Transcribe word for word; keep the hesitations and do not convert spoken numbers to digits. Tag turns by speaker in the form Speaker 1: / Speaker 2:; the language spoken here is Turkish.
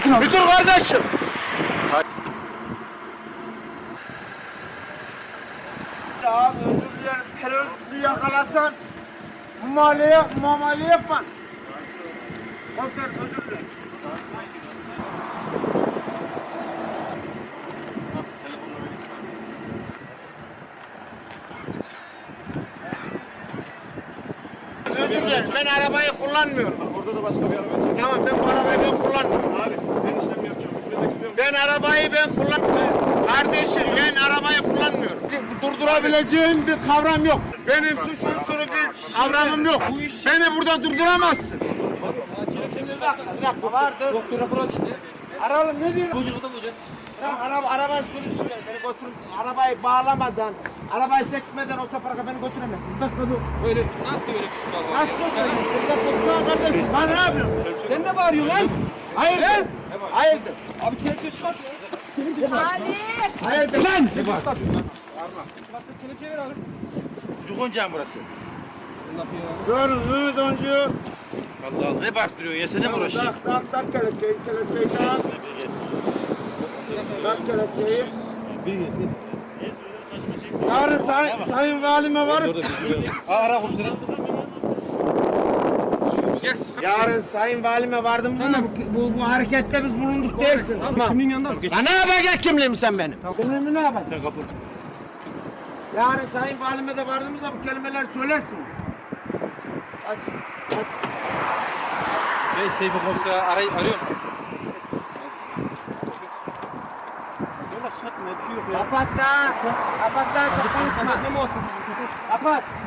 Speaker 1: sakin ol.
Speaker 2: Bir dur kardeşim. Abi özür dilerim. Teröristi yakalasan muamele, muamele yapma. Komiser özür dilerim. Özür dilerim. Ben arabayı kullanmıyorum.
Speaker 3: Orada da başka bir araba çek.
Speaker 2: Tamam ben bu arabayı ben kullanmıyorum.
Speaker 3: Abi ben işlem yapacağım. Üstüne de
Speaker 2: Ben arabayı ben kullanmıyorum. Kardeşim ben arabayı kullanmıyorum. Durdurabileceğim bir kavram yok. Benim suç unsuru bir kavramım yok. Beni burada durduramazsın. Bir dakika vardır. Aralım ne diyor? Tamam, araba, arabayı sürüsün. Beni götür. Arabayı bağlamadan, arabayı çekmeden otoparka beni götüremezsin. Bir dakika dur.
Speaker 4: Öyle nasıl öyle bir şey var?
Speaker 2: Nasıl götüremezsin? Bir dakika dur kardeşim. Lan ne yapıyorsun?
Speaker 4: Sen ne bağırıyorsun lan?
Speaker 2: Hayırdır? Hayırdır?
Speaker 4: Abi kelepçe çıkart ya.
Speaker 2: Hayırdır lan?
Speaker 4: Ne var? Çıkart kelepçeyi ver abi.
Speaker 3: Çocuk oyuncağı mı burası?
Speaker 2: Görürüz Ümit Oncu.
Speaker 3: Allah Allah ne baktırıyor? Yesene mi uğraşacağız?
Speaker 2: Tak tak tak kelepçeyi, kelepçeyi tak. Tak kelepçeyi. Yarın say sayın valime varıp
Speaker 3: Ara komiserim.
Speaker 2: yarın sayın valime vardım da bu, bu, bu harekette biz bulunduk dersin.
Speaker 4: Abi
Speaker 2: Tamam.
Speaker 4: kimliğin yanında mı? Geç.
Speaker 2: Ya ne yapacaksın kimliğimi sen benim? Kimliğimi ne yapacaksın?
Speaker 3: Sen kapı.
Speaker 2: Yarın sayın valime de vardığımızda bu kelimeler söylersiniz. Aç, aç.
Speaker 4: Bey Seyfi komiseri aray arıyor musun?
Speaker 3: Yola çıkartma bir şey yok ya.
Speaker 2: Kapat da. Kapat da çok konuşma.
Speaker 4: Ne mi olsun?
Speaker 2: Kapat.